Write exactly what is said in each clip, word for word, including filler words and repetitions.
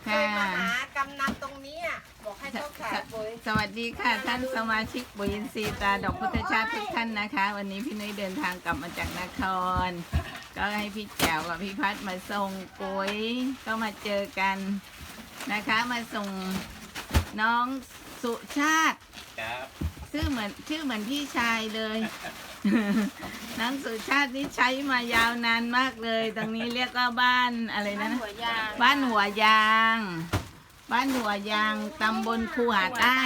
ค่ะมาหากำนันตรงนี้อ่ะบอกให้เขาขายปุ๋ยสวัสดีค่ะท่านสมาชิกปุ๋ยอินทรีย์ตราดอกพุทธชาติทุกท่านนะคะ วันนี้พี่นุ้ยเดินทางกลับมาจากนครก็ให้พี่แจ๋วกับพี่พัดมาส่งปุ๋ยก็มาเจอกันนะคะมาส่งน้องสุชาติครับชื่อเหมือนชื่อเหมือนพี่ชายเลย น้องสุชาตินี่ใช้มายาวนานมากเลยตรงนี้เรียกว่าบ้านอะไรนะบ้านหัวยางบ้านหัวยางตำบลคูหาใต้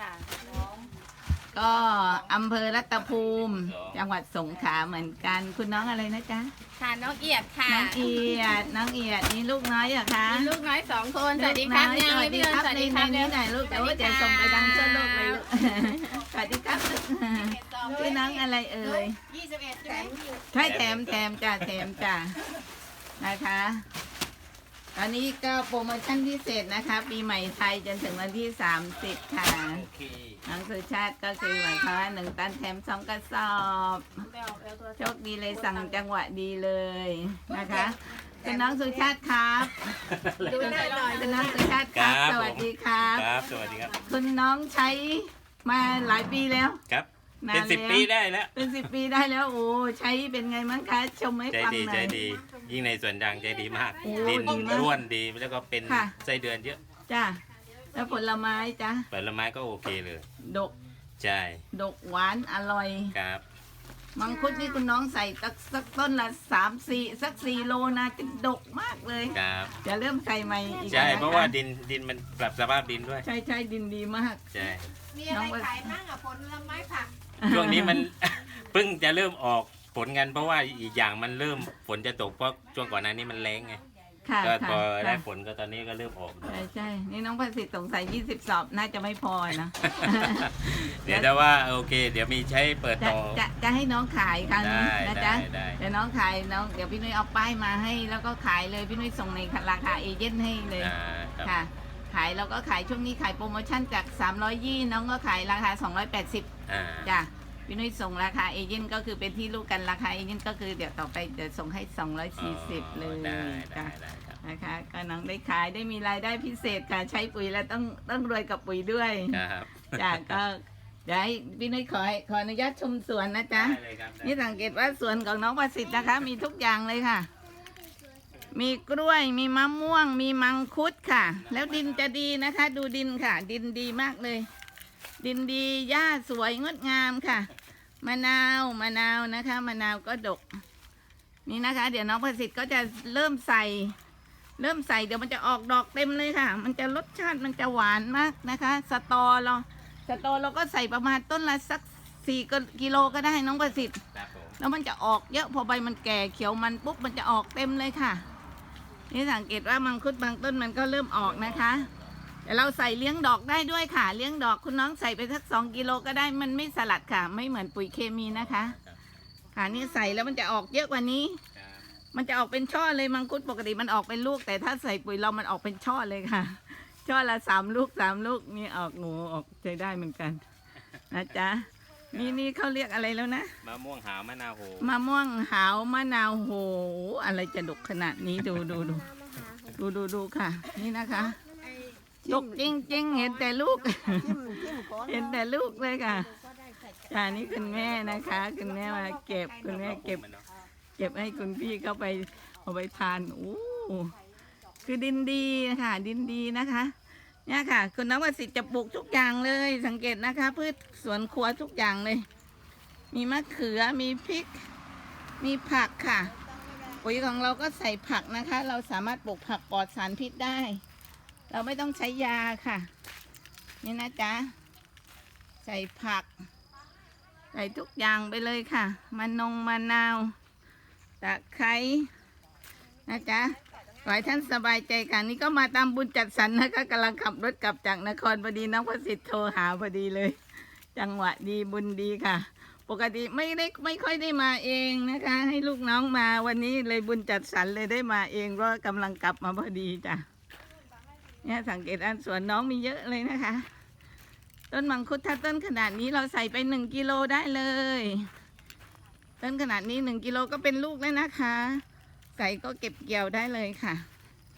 ก็อำเภอรัตภูมิจังหวัดสงขลาเหมือนกันคุณน้องอะไรนะจ๊ะค่ะน้องเอียดค่ะน้องเอียดน้องเอียดนี่ลูกน้อยเหรอคะมีลูกน้อยสองคนสวัสดีครับสวัสดีครับในในนี้หน่อยลูกแต่ว่าจะส่งไปดังทั่วโลกเลยลูกสวัสดีครับพี่น้องอะไรเอ่ยยี่สิบเอ็ดใช่ไหมใช่แถมแถมจ้ะแถมจ้ะนะคะตอนนี้ก็โปรโมชั่นพิเศษนะคะปีใหม่ไทยจนถึงวันที่สามสิบค่ะน้องสุชาติก็คือหมายความว่าหนึ่งตันแถมสองกระสอบโชคดีเลยสั่งจังหวะดีเลยนะคะคุณน้องสุชาติครับดูหน้าหน่อยคุณน้องสุชาติครับสวัสดีครับครับสวัสดีครับคุณน้องใช้มาหลายปีแล้วครับเป็นสิบปีได้แล้วเป็นสิบปีได้แล้วโอ้ใช้เป็นไงมั้งคะชมให้ฟังหน่อยใจดีใจดียิ่งในสวนยางใจดีมากดินร่วนดีแล้วก็เป็นไส้เดือนเยอะจ้าแล้วผลไม้จ้าผลไม้ก็โอเคเลยดกใช่ดกหวานอร่อยครับมังคุดนี่คุณน้องใส่สักสักต้นละสามสี่สักสี่โลนะจะดกมากเลยครับจะเริ่มใส่ใหม่อีกใช่เพราะว่าดินดินมันปรับสภาพดินด้วยใช่ใช่ดินดีมากใช่มีอะไรขายมั่งอ่ะผลไม้ผักช่วงนี้มัน เพิ่งจะเริ่มออกผลกันเพราะว่าอีกอย่างมันเริ่มฝนจะตกเพราะช่วงก่อนหน้านี้มันแรงไงก็พอได้ฝนก็ตอนนี้ก็เริ่มออกใช่ใช่นี่น้องประสิทธิ์สงสัยยี่สิบสอบน่าจะไม่พอนะเดี๋ยวแต่ว่าโอเคเดี๋ยวมีใช้เปิดต่อจะจะให้น้องขายครั้งนี้นะจ๊ะเดี๋ยวน้องขายน้องเดี๋ยวพี่นุ้ยเอาป้ายมาให้แล้วก็ขายเลยพี่นุ้ยส่งในราคาเอเจนต์ให้เลยค่ะขายแล้วก็ขายช่วงนี้ขายโปรโมชั่นจากสามร้อยยี่น้องก็ขายราคาสองร้อยแปดสิบจ้ะพี่นุ้ยส่งราคาเอเจนต์ก็คือเป็นที่รู้กันราคาเอเจนต์ก็คือเดี๋ยวต่อไปจะส่งให้สองร้อยสี่สิบเลยจ้ะนะคะก็น้องได้ขายได้มีรายได้พิเศษค่ะใช้ปุ๋ยแล้วต้องต้องรวยกับปุ๋ยด้วยจ้ะก็เดี๋ยวให้พี่นุ้ยขอขออนุญาตชมสวนนะจ๊ะนี่สังเกตว่าสวนของน้องประสิทธิ์นะคะมีทุกอย่างเลยค่ะมีกล้วยมีมะม่วงมีมังคุดค่ะแล้วดินจะดีนะคะดูดินค่ะดินดีมากเลยดินดีหญ้าสวยงดงามค่ะมะนาวมะนาวนะคะมะนาวก็ดกนี่นะคะเดี๋ยวน้องประสิทธิ์ก็จะเริ่มใส่เริ่มใส่เดี๋ยวมันจะออกดอกเต็มเลยค่ะมันจะรสชาติมันจะหวานมากนะคะสตอเราสตอเราก็ใส่ประมาณต้นละสักสี่กิโลก็ได้น้องประสิทธิ์แล้วมันจะออกเยอะพอใบมันแก่เขียวมันปุ๊บมันจะออกเต็มเลยค่ะนี่สังเกตว่ามังคุดบางต้นมันก็เริ่มออกนะคะแต่เราใส่เลี้ยงดอกได้ด้วยค่ะเลี้ยงดอกคุณน้องใส่ไปสักสองกิโลก็ได้มันไม่สลัดค่ะไม่เหมือนปุ๋ยเคมีนะคะค่ะนี่ใส่แล้วมันจะออกเยอะกว่านี้มันจะออกเป็นช่อเลยมังคุดปกติมันออกเป็นลูกแต่ถ้าใส่ปุ๋ยเรามันออกเป็นช่อเลยค่ะช่อละสามลูกสามลูกนี่ออกหนูออกใจได้เหมือนกันนะจ๊ะนี่นี่เขาเรียกอะไรแล้วนะมะม่วงหาวมะนาวโหมะม่วงหาวมะนาวโหอะไรจะดกขนาดนี้ดูดูดูดูดูดูค่ะนี่นะคะดกจริงจริงเห็นแต่ลูกเห็นแต่ลูกเลยค่ะอ่านี่คุณแม่นะคะคุณแม่มาเก็บคุณแม่เก็บเก็บให้คุณพี่เข้าไปเอาไปทานโอ้คือดินดีค่ะดินดีนะคะเนี่ยค่ะคุณน้องประสิทธิ์จะปลูกทุกอย่างเลยสังเกตนะคะพืชสวนครัวทุกอย่างเลยมีมะเขือมีพริกมีผักค่ะปุ๋ยของเราก็ใส่ผักนะคะเราสามารถปลูกผักปลอดสารพิษได้เราไม่ต้องใช้ยาค่ะนี่นะจ๊ะใส่ผักใส่ทุกอย่างไปเลยค่ะมะนงมะนาวตะไคร้นะจ๊ะขอให้ท่านสบายใจค่ะนี่ก็มาตามบุญจัดสรรนะคะกำลังขับรถกลับจากนครพอดีน้องประสิทธิ์โทรหาพอดีเลยจังหวะดีบุญดีค่ะปกติไม่ได้ไม่ค่อยได้มาเองนะคะให้ลูกน้องมาวันนี้เลยบุญจัดสรรเลยได้มาเองเพราะกำลังกลับมาพอดีจ้ะเนี่ยสังเกตอันสวนน้องมีเยอะเลยนะคะต้นมังคุดถ้าต้นขนาดนี้เราใส่ไปหนึ่งกิโลได้เลยต้นขนาดนี้หนึ่งกิโลก็เป็นลูกแล้วนะคะใส่ก็เก็บเกี่ยวได้เลยค่ะน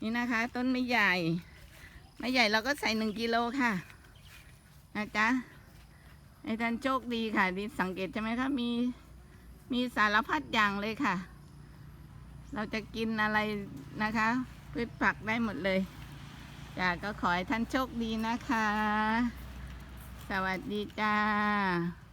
นี่นะคะ ต้นไม่ใหญ่ไม่ใหญ่เราก็ใส่หนึ่งกิโลค่ะนะจ๊ะให้ท่านโชคดีค่ะดิสังเกตใช่ไหมคะมีมีสารพัดอย่างเลยค่ะ เราจะกินอะไรนะคะพืชผักได้หมดเลยจ้ะก็ขอให้ท่านโชคดีนะคะ สวัสดีจ้า